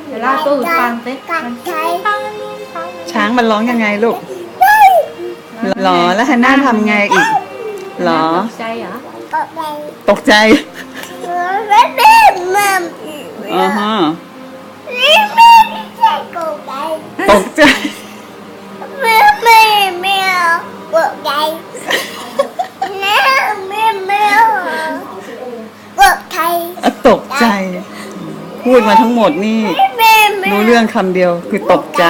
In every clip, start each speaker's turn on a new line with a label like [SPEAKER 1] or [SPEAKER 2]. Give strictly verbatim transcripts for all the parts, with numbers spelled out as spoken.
[SPEAKER 1] เดี๋ยวเล่าตู้ฟังสิ
[SPEAKER 2] กัดใจ
[SPEAKER 3] ช้างมันร้องยังไงลูกหรอแล้วฮันน่าทำไงอีกหรอ
[SPEAKER 1] ตกใจเหรอ
[SPEAKER 2] กัดใจ
[SPEAKER 3] ตกใจ
[SPEAKER 2] ไม่ไม่มัม
[SPEAKER 3] อ๋อฮะ
[SPEAKER 2] ไม่ไม่ใช่กัดใจ
[SPEAKER 3] ตกใจ
[SPEAKER 2] ไม่ไม่ไม่กัดใจไม่ไม่ไม่กัดใจ
[SPEAKER 3] อ่ะตกใจ พูดมาทั้งหมดนี่
[SPEAKER 2] ไม่ไม่
[SPEAKER 3] รู้เรื่องคำเดียวคือตกใจ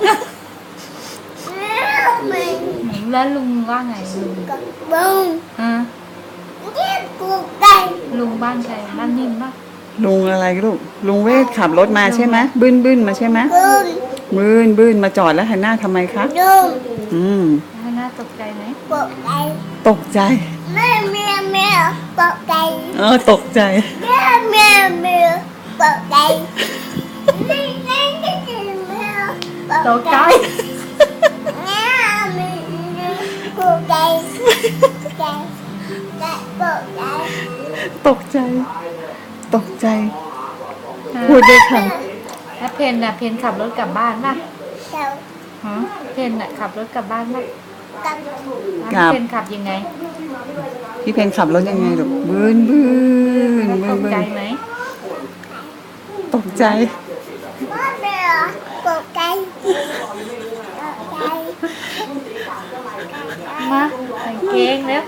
[SPEAKER 2] ไม่
[SPEAKER 1] แล้วลุงว่าไงลุง
[SPEAKER 2] กัดบุ้ง
[SPEAKER 1] อ่ะ
[SPEAKER 2] นี่กัดใจ
[SPEAKER 1] ลุงบ้านใครบ้านนิ่มปะ
[SPEAKER 3] ลุงอะไรลูกลุงเวทขับรถมาใช่ไหมบึ้นบึ้นมาใช่ไหม
[SPEAKER 2] บุ้ง
[SPEAKER 3] บึ้นบึ้นมาจอดแล้วฮันน่าทำไมคะ
[SPEAKER 2] บุ้ง
[SPEAKER 3] อืม
[SPEAKER 1] ให้น่าตกใจไหม
[SPEAKER 2] กัดใจ
[SPEAKER 3] ตกใจ
[SPEAKER 2] ไม่ไม่ไม่กัดใจ
[SPEAKER 3] เออตกใจ
[SPEAKER 2] แม่แม่แม่ตกใจไม่ไม่ไม่แม่
[SPEAKER 1] ตกใจ
[SPEAKER 2] แม่ไม่ตกใจใจใจตกใจ
[SPEAKER 3] ตกใจ ตกใจ พูดด้วยค
[SPEAKER 1] แล้วเพนน่ะเพนขับรถกลับบ้านป่ะ
[SPEAKER 2] เจ้า
[SPEAKER 1] ฮะเพนน่ะขับรถกลับบ้านป่ะ
[SPEAKER 2] กับ
[SPEAKER 1] แล้วเพนขับยังไง
[SPEAKER 3] ำพี่เพนขับรถยังไงลูกบึ้นบึ้น
[SPEAKER 1] แล้ว
[SPEAKER 3] บึ้
[SPEAKER 1] ต
[SPEAKER 3] น
[SPEAKER 1] ก
[SPEAKER 3] บึ้
[SPEAKER 1] ใจ
[SPEAKER 3] น
[SPEAKER 1] ไหม
[SPEAKER 3] ตกใจ
[SPEAKER 2] แม่แม่ตกใจตกใจ
[SPEAKER 1] มาใส่เกงแล้ว